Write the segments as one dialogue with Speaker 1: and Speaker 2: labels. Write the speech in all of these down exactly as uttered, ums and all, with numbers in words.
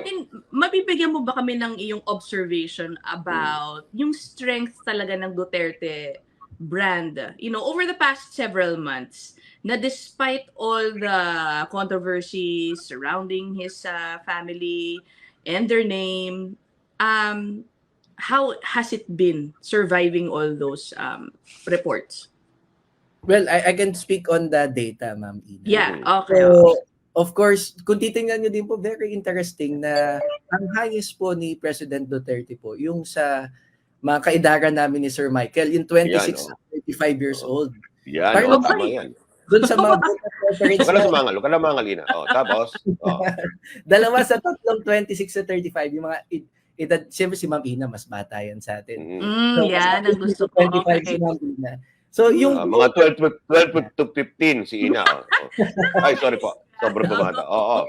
Speaker 1: mean, mabibigyan mo ba kami ng iyong observation about yung strength talaga ng Duterte brand, you know, over the past several months, na despite all the controversies surrounding his uh, family and their name, um, how has it been surviving all those um, reports?
Speaker 2: Well, I, I can speak on the data, Ma'am Ina.
Speaker 1: Yeah, okay.
Speaker 2: So,
Speaker 1: okay.
Speaker 2: of course, kung titingnan nyo din po, very interesting na ang highest po ni President Duterte po, yung sa mga kaedaran namin ni Sir Michael, yung twenty-six
Speaker 3: Yan,
Speaker 2: to thirty-five years
Speaker 3: oh.
Speaker 2: old.
Speaker 3: Yan,
Speaker 2: Parang
Speaker 3: oh, tama yan.
Speaker 2: doon sa mga voter preference
Speaker 3: Huwag ka na sumangal, huwag ka na mangal, Ina. Oh, tapos, oh.
Speaker 2: dalawa sa tatlong twenty-six to thirty-five, yung mga edad, siyempre si Ma'am Ina, mas bata yan sa atin.
Speaker 3: Mm.
Speaker 1: Mm,
Speaker 2: So,
Speaker 1: yan, ang gusto ko.
Speaker 2: twenty-five
Speaker 1: Okay.
Speaker 2: si Ma'am Ina. So, yung...
Speaker 3: Uh, mga twelve, twelve to fifteen si Ina. Oh. Oh. Ay, sorry po. Sobrang bumata. Oo. Oh, oh.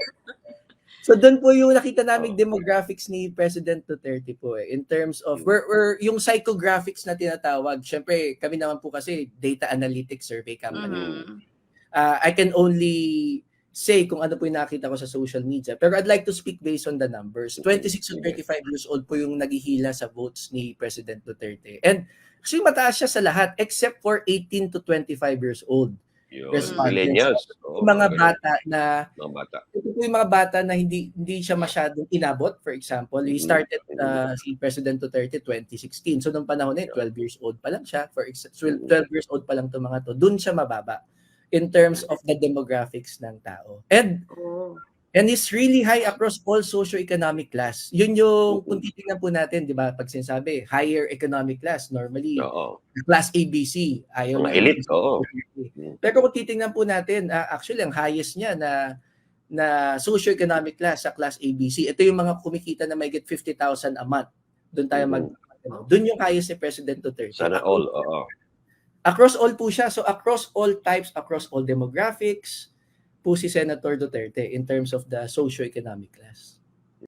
Speaker 2: So doon po yung nakita naming demographics ni President Duterte po eh, in terms of we're, we're, yung psychographics na tinatawag. Syempre, kami naman po kasi data analytics survey company.
Speaker 1: Mhm.
Speaker 2: Uh, I can only say kung ano po yung nakita ko sa social media. Pero I'd like to speak based on the numbers. twenty-six to thirty-five years old po yung naghihila sa votes ni President Duterte. And actually mataas siya sa lahat except for eighteen to twenty-five years old.
Speaker 3: Yun,
Speaker 2: Respondents.
Speaker 3: millennials. Oh,
Speaker 2: Yung mga
Speaker 3: ganun.
Speaker 2: bata na
Speaker 3: Mga bata.
Speaker 2: ito po yung mga bata na hindi hindi siya masyadong inabot. For example, he started uh, si President Duterte twenty sixteen. So nung panahon na yun, twelve years old pa lang siya. For ex- twelve years old pa lang itong mga to. Doon siya mababa in terms of the demographics ng tao. And
Speaker 1: Oh.
Speaker 2: and it's really high across all socio-economic class. Yun yung kung titingnan po natin, di ba, pag sinasabi, higher economic class, normally,
Speaker 3: Oo.
Speaker 2: class A B C. Ayaw
Speaker 3: Mga
Speaker 2: na-
Speaker 3: elite, oo.
Speaker 2: Pero kung titingnan po natin, uh, actually, ang highest niya na na socio-economic class sa class A B C, ito yung mga kumikita na may get fifty thousand a month. Doon tayo mag... ano, doon yung highest ni President Duterte.
Speaker 3: Sana all, oo.
Speaker 2: Across all po siya. So across all types, across all demographics, po si Senator Duterte in terms of the socio-economic class.